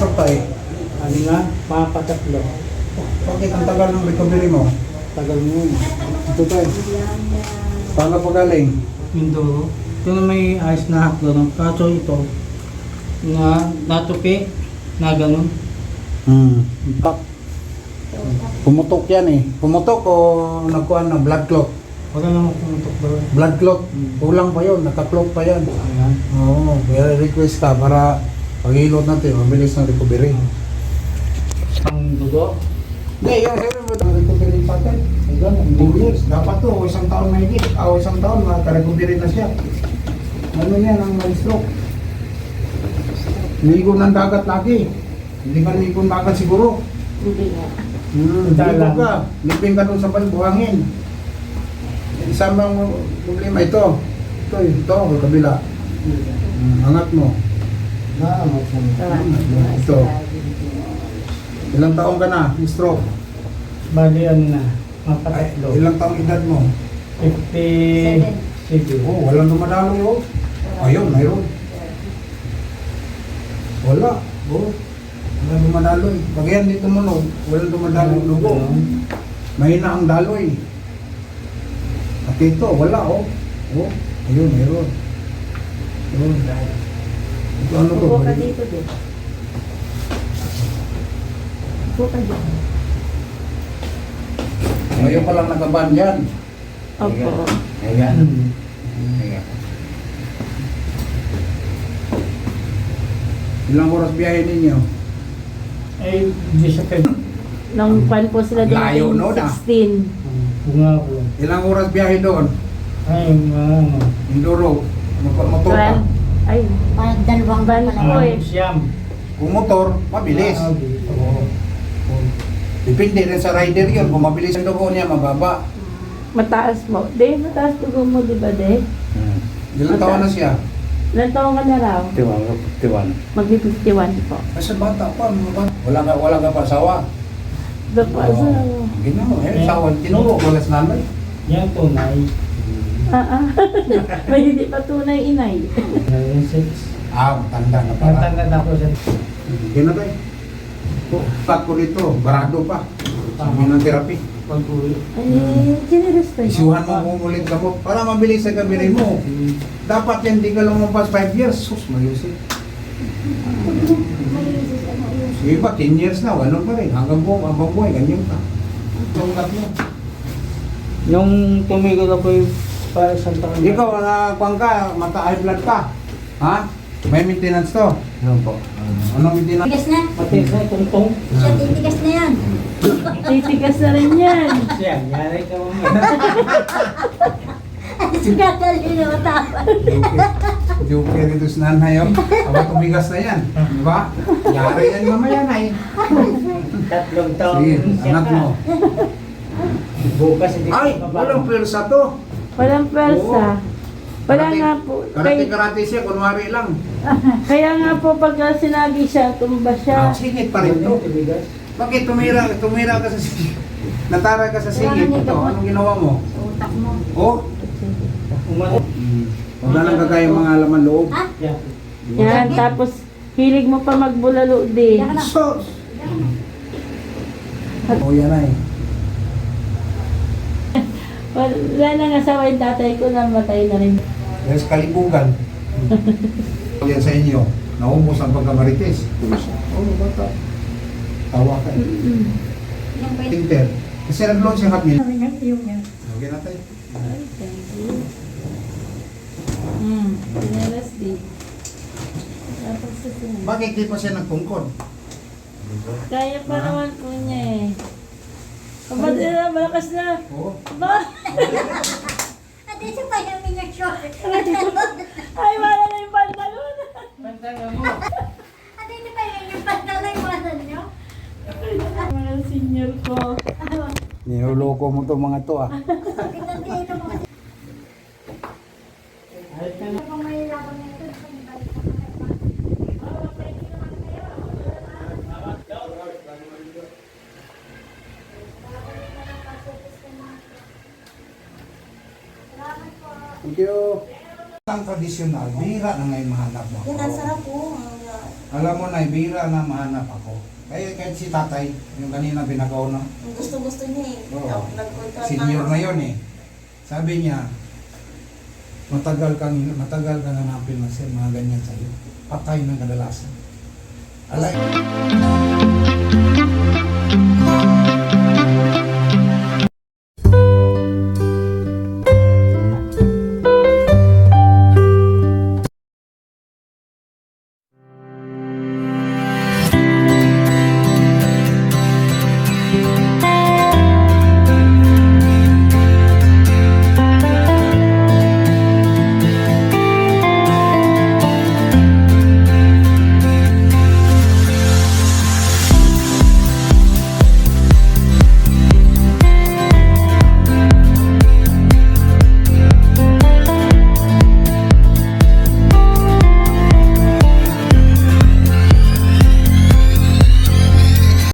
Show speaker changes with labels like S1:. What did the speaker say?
S1: tay?
S2: Ano nga, mga patatlo.
S1: Bakit ang tagal ng recovery mo?
S2: Tagal mo.
S1: Ito tay. Saan ka pagaling?
S2: Mindoro. Ito na may ayos na haklo. Kaso ito, na natupi, na ganun.
S1: Tak. Pumutok yan eh. Pumutok o nagkuhan ng blood clot?
S2: Wala naman pumutok doon.
S1: Blood clot. Kulang pa yun. Naka-clot pa yan.
S2: Ayan.
S1: Oo. Kaya request ka para pag-hilot natin. Mabilis ng recovery.
S2: Ang dugo.
S1: Hindi, yung siyempre mo ang recovery pattern. Hanggang 2 years. Dapat to, isang taon may higit. Isang taon, maka-recovery na siya. Ano yan ang stroke? Ligo ng dagat lagi. Hindi ka ligo ng dagat siguro.
S3: Hindi nga.
S1: Ligo ka. Lipin ka doon sa buhangin. Isang bang problema ito. Ito, ang kabila. Angat mo. Ito. Ilang taon ka na? Stroke.
S2: Bali ano na, mga
S1: Ay,
S2: patatlo.
S1: ilang taong edad mo?
S2: 57.
S1: Oh, walang dumadaloy oh. Ayun, mayroon. Wala. Oh. Walang dumadaloy. Pag yan dito mo no, walang dumadaloy lugo. Mahina ang daloy. At ito, wala oh. Oh, ayun, mayroon. Ayun. Ito ano to?
S3: Upo ka dito din. Upo ka dito.
S1: Ngayon pa lang nakaban yan.
S3: Opo.
S1: Ayan. Ilang oras biyahe ninyo?
S2: Ay, hindi siya pwede.
S3: Nung kwan po sila
S1: Layo,
S3: dumating
S1: no, na?
S3: 16.
S2: Bunga ko.
S1: Ilang oras biyahe doon?
S2: Ay, ano.
S1: Induro. Motor ka.
S3: 12. Ay,
S4: Parang dalawang
S3: Van
S4: pala.
S3: po eh.
S2: Siyam.
S1: Kung motor, mabilis. Oo. Depende rin sa rider yun. Kung mabilis ang dugo niya, mababa.
S3: Mataas mo. De, mataas dugo mo, di ba, de?
S1: Ilang taon na siya?
S3: Ilan taong ka na raw?
S2: 51.
S3: Magbi-51 po.
S1: Kasi bata pa, mga bata. Wala ka pa asawa.
S3: Dapat
S1: Oo.
S3: sa...
S1: Ginawa, asawa. Tinuro ko las nanay.
S2: Yan tunay.
S3: May hindi pa tunay inay.
S2: 96.
S1: Matanda na pala.
S2: Matanda na ako sa...
S1: Ginatay. Tat ko dito, barado pa. Sabi ng therapy.
S2: pag-uwi.
S3: Ay, generous pa yun.
S1: Isuhan mo kung ulit ka mo para mabilis sa kabiri mo. Dapat yan, di ka lumabas 5 years. Sus, mayusip. Sige ba, 10 years na, wala pa rin. Hanggang buhay, ganyan ka. Tungkat mo.
S2: Nung tumigil ako yung para sa taon.
S1: Ikaw, kuwang ka, mata-high blood ka. Ha? May maintenance to.
S2: Ano po?
S1: Anong maintenance?
S4: Tigas na.
S2: Pati sa tungtong.
S4: Siya, titigas na yan.
S3: Titigas na rin yan.
S2: Siya, yari ka mo.
S4: Sinadali na matapad.
S1: Joker ito sa nanay. Aba, tumigas na yan. Di ba? Yari yan mamaya na eh.
S2: 3 taon.
S1: Sige,
S2: siya
S1: anak
S2: ka.
S1: mo.
S2: Bukas hindi
S1: Ay,
S2: ka
S1: walang pwersa to.
S3: Walang pwersa. Wala nga po.
S1: Karate-karate siya, kunwari lang.
S3: Kaya nga po pagka sinagi siya, tumba siya.
S1: Singit pa rin to. Bakit tumira ka sa singit? Natara ka sa singit. Ito, anong ginawa mo?
S4: Sa utak mo.
S1: Oh? Huwag na lang kagaya mga laman loob.
S4: Ha?
S3: Yan, tapos hilig mo pa magbulalo din.
S4: Yan na.
S1: Sos! Oh, yan ay.
S3: Wala nang asawa yung tatay ko, namatay na rin.
S1: Dahil sa kalibugan. Yan sa inyo. Naubos ang pagkamarites. Oh, bata. Tawa ka eh.
S4: Yan ba yun?
S1: Tinter. Kasi nag-loan siya kapil.
S4: Yung.
S1: Okay na tayo.
S3: Ay, thank you. Pinalas din. Tapos sa sinay.
S1: Bakit di pa siya nagtungkod?
S3: Kaya pa naman po niya eh. Kapag na, malakas na.
S1: Oo.
S3: Ba?
S4: Ate, siya pa yung minyag short.
S3: Ay, wala na yung pantalon.
S2: Pantanga mo.
S4: Ate, siya pa yung pantalay mo nyo.
S3: Mga senior ko.
S1: Niloloko mo to mga to ah.
S4: Kitang dito mo.
S2: Ayos ka na.
S4: Kung may labang na ito,
S1: Thank you. Ang tradisyonal, bihira na ngayon mahanap mo.
S4: yan ang sarap po.
S1: Alam mo na, bira na mahanap ako. Kaya kahit si tatay, yung kanina binagaw na,
S4: Ang gusto-gusto niya eh.
S1: Oo.
S4: Nagkontrata
S1: senior
S4: ako.
S1: na yon eh. Sabi niya, matagal kang hanapin na siya, mga ganyan sa'yo. Patay ng kadalasan. Alay.